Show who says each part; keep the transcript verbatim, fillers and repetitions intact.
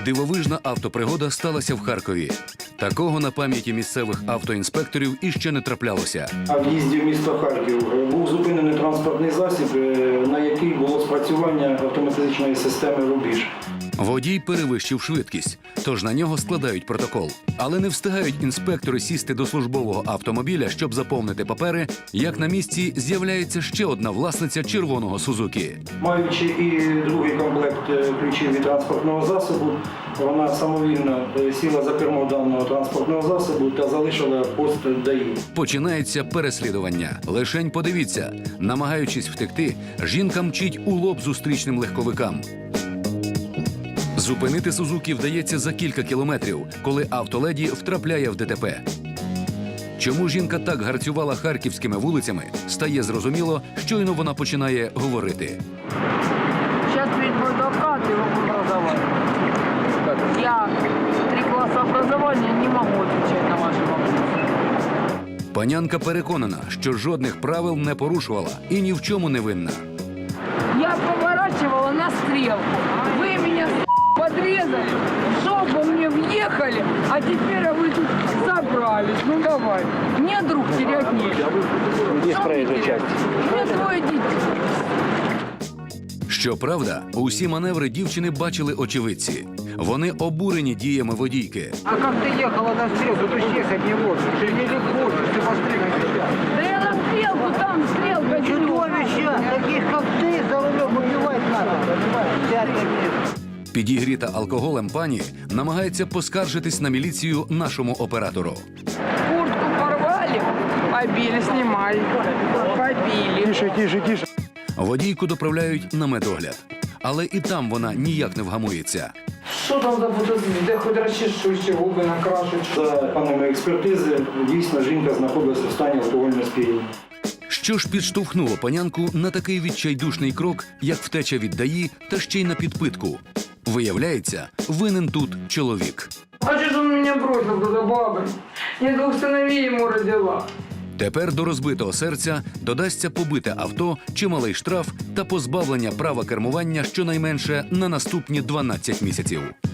Speaker 1: Дивовижна автопригода сталася в Харкові. Такого на пам'яті місцевих автоінспекторів іще не траплялося.
Speaker 2: На в'їзді в місто Харків був зупинений транспортний засіб, на який було спрацювання автоматичної системи «Рубіж».
Speaker 1: Водій перевищив швидкість, тож на нього складають протокол. Але не встигають інспектори сісти до службового автомобіля, щоб заповнити папери, як на місці з'являється ще одна власниця червоного «Сузукі».
Speaker 2: Маючи і другий комплект ключів від транспортного засобу, вона самовільно сіла за кермо даного транспортного засобу та залишила пост ДАІ.
Speaker 1: Починається переслідування. Лишень подивіться, намагаючись втекти, жінка мчить у лоб зустрічним легковикам. Зупинити «Сузукі» вдається за кілька кілометрів, коли автоледі втрапляє в ДТП. Чому жінка так гарцювала харківськими вулицями, стає зрозуміло, щойно вона починає говорити.
Speaker 3: Сейчас ведь адвокат его образования. Я три класса образования не могу отвечать на ваши вопросы.
Speaker 1: Панянка переконана, що жодних правил не порушувала і ні в чому не винна.
Speaker 3: Я поворачивала на стрелку. Вы меня подрезали, в жопу мне въехали, а теперь вы тут собрались. Ну давай. Мне друг терять нечего.
Speaker 2: Здесь проезжая часть.
Speaker 3: Мне двое детей.
Speaker 1: Щоправда, усі маневри дівчини бачили очевидці. Вони обурені діями водійки.
Speaker 4: А как ты ехала на стрелку, то исчез не можешь. Ты не легко, ты посмотри на себя.
Speaker 3: Да я на стрелку, там стрелка.
Speaker 4: Чудовища, таких как ты, за рулем убивать надо. Сядь на место.
Speaker 1: Підігріта алкоголем пані намагається поскаржитись на міліцію нашому оператору.
Speaker 3: Куртку порвали, побили, снимали, побили.
Speaker 4: Тише, тише, тише.
Speaker 1: Водійку доправляють на медогляд. Але і там вона ніяк не вгамується.
Speaker 3: Що там за фотозвіт? Де хоч розчешу, ще губи накрашу.
Speaker 2: За даними експертизи, дійсно жінка знаходилася в стані алкогольного сп'яніння.
Speaker 1: Що ж підштовхнуло панянку на такий відчайдушний крок, як втеча від ДАІ та ще й на підпитку? Виявляється, винен тут чоловік.
Speaker 3: А що ж він мене бросив до баби? Я двох синовей йому родила.
Speaker 1: Тепер до розбитого серця додасться побите авто, чималий штраф та позбавлення права кермування щонайменше на наступні дванадцять місяців.